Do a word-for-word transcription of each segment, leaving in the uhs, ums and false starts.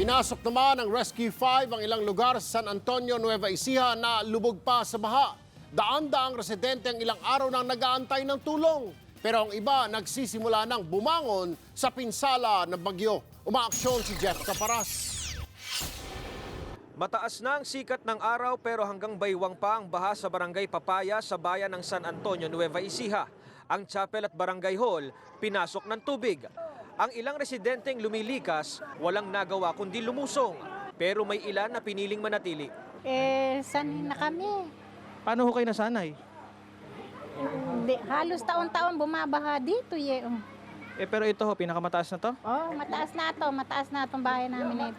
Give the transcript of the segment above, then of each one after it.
Pinasok naman ng Rescue five ang ilang lugar sa San Antonio, Nueva Ecija na lubog pa sa baha. Daan-daang residente ang ilang araw nang nag-aantay ng tulong. Pero ang iba nagsisimula ng bumangon sa pinsala ng bagyo. Umaaksyon si Jeff Caparas. Mataas na ang sikat ng araw pero hanggang baywang pa ang baha sa Barangay Papaya sa bayan ng San Antonio, Nueva Ecija. Ang chapel at barangay hall pinasok ng tubig. Ang ilang residenteng lumilikas, walang nagawa kundi lumusong. Pero may ilan na piniling manatili. Eh, sanay na kami. Paano ho kayo nasanay? Hindi, halos taon-taon bumabaha dito. Eh. Eh pero ito ho, pinakamataas na to? Oh, mataas na to, mataas na itong bahay namin na ito.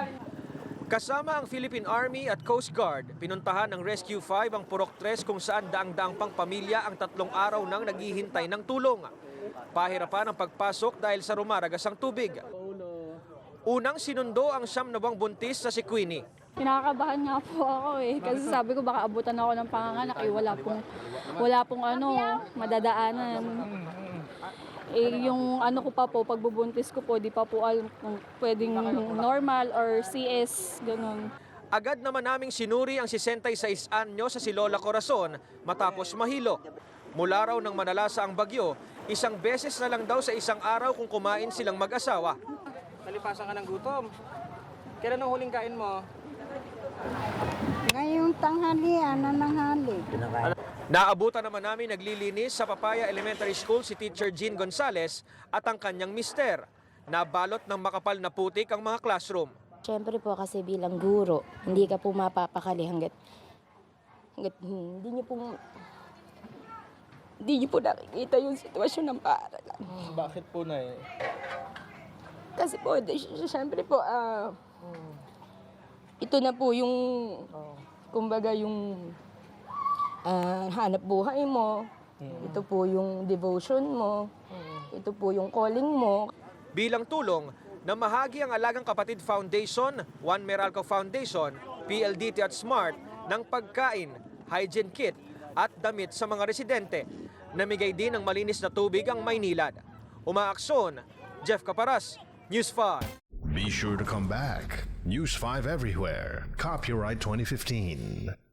Kasama ang Philippine Army at Coast Guard, pinuntahan ng Rescue five ang Purok tres kung saan daang-daang pang pamilya ang tatlong araw nang naghihintay ng tulong. Pahirapan ang pagpasok dahil sa rumaragas ang tubig. Unang sinundo ang siyam na buwang buntis sa si Queenie. Kinakabahan nga po ako eh. Kasi sabi ko baka abutan ako ng panganganak eh. Wala pong, wala pong ano, madadaanan. Eh, yung ano ko pa po, pagbubuntis ko po, di pa po alam kung pwedeng normal or C S, ganun. Agad naman naming sinuri ang sesentayseis anyo sa si Lola Corazon matapos mahilo. Mula raw nang manalasa ang bagyo, isang beses na lang daw sa isang araw kung kumain silang mag-asawa. Nalipasan ka ng gutom. Kailan ang huling kain mo? Ngayong tanghalian na nanghali. Naabutan naman namin naglilinis sa Papaya Elementary School si Teacher Jean Gonzales at ang kanyang mister. Nabalot ng makapal na putik ang mga classroom. Siyempre po kasi bilang guro, hindi ka po mapapakali hanggat, hanggat hindi niyo po, hindi niyo po nakikita yung sitwasyon ng paaralan. Bakit po na eh? Kasi po, di- siyempre po, ah, ito na po yung, kumbaga yung ah, hanap buhay mo, ito po yung devotion mo, ito po yung calling mo. Bilang tulong, namahagi ang Alagang Kapatid Foundation, Juan Meralco Foundation, P L D T at SMART ng pagkain, hygiene kit at damit sa mga residente. Namigay din ng malinis na tubig ang Maynilad. Umaaksyon, Jeff Caparas, News five. Be sure to come back. News five everywhere. Copyright twenty fifteen.